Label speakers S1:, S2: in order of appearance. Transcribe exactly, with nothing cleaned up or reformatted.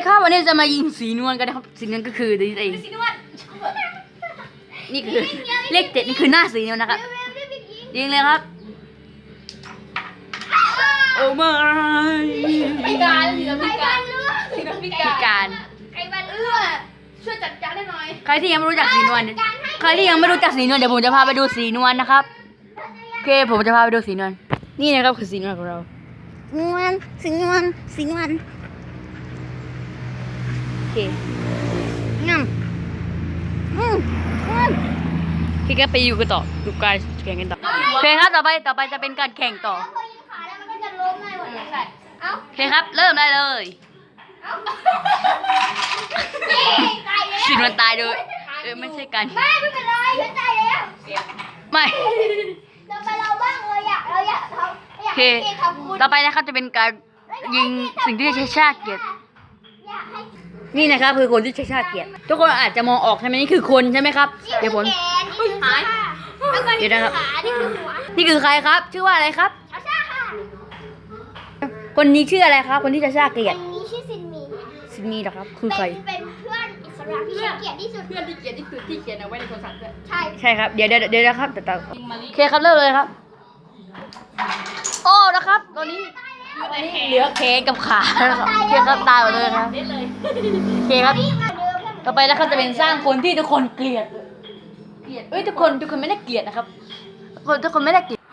S1: ครับวันนี้จะมายิงสีนวลกันนะครับสีนวลก็คือนี่เองสีนวลนี่คือเลขเจ็ดนี่คือหน้าสีนวลนะครับยิงเลยครับโอ้ไม่พิการสีนวลพิการสีนวลพิการใครบ้านเอื้อช่วยจัดการได้หน่อยใครที่ยังไม่รู้จักสีนวลใครที่ยังไม่รู้จักสีนวลเดี๋ยวผมจะพาไปดูสีนวลนะครับโอเคผมจะพาไปดูสีนวลนี่นะครับคือสีนวลของเรานวลสีนวลสีนวลโอเคงั้มอืมพี่ก็ไปอยู่กันต่อดูการแข่งกันต่อโอเคครับต่อไปต่อไปจะเป็นการแข่งต่อโอเคครับเริ่มได้เลยสีนวลตายเลยเออไม่ใช่กัน
S2: ไม่ไม่เป็นไรฉันตายแล้ว
S1: ไม่
S2: เราไปเราบ้างเราอยากเราอยากทำอยากให้ทำคุณ
S1: ต่อไปนะครับจะเป็นการยิงสิ่งที่ใช้ชาติเกียรตินี่นะครับคือคนที่ใช้ชาติเกียรติทุกคนอาจจะมองออกใช่ไหมนี่คือคนใช่ไหมครับเดี๋ยวผม
S2: หาย
S1: เดี๋ยวนะครับ
S2: นี่คือหัว
S1: นี่คือใครครับชื่อว่าอะไรครับ
S2: ชาชาค่ะ
S1: คนนี้ชื่ออะไรครับคนที่ใช้ชาติเกียรติ
S2: คนนี้ชื่อซินมี
S1: ซินมีเหรอครับคือใคร
S2: เป็นเพื่อนอิสระที่ใช้เกียรติที่สุด
S3: เพื่อนที่เขียนที่สุดที่เขียนเอาไว้ในโทรศัพท์ด้วย
S2: ใช่
S1: ใช่ครับเดี๋ยวเดี๋ยวเดี๋ยวนะครับแต่โอเคครับเริ่มเลยครับโอ้นะครับตอนนี้เหลือแขนกับขาโอเคครับตายหมดเลยครับโอเคครับต่อไปนะครับจะเป็นสร้างคนที่ทุกคนเกลียดเกลียดเอ้ยทุกคนทุกคนไม่ได้เกลียดนะครับคนทุกคนไม่ได้เกลียด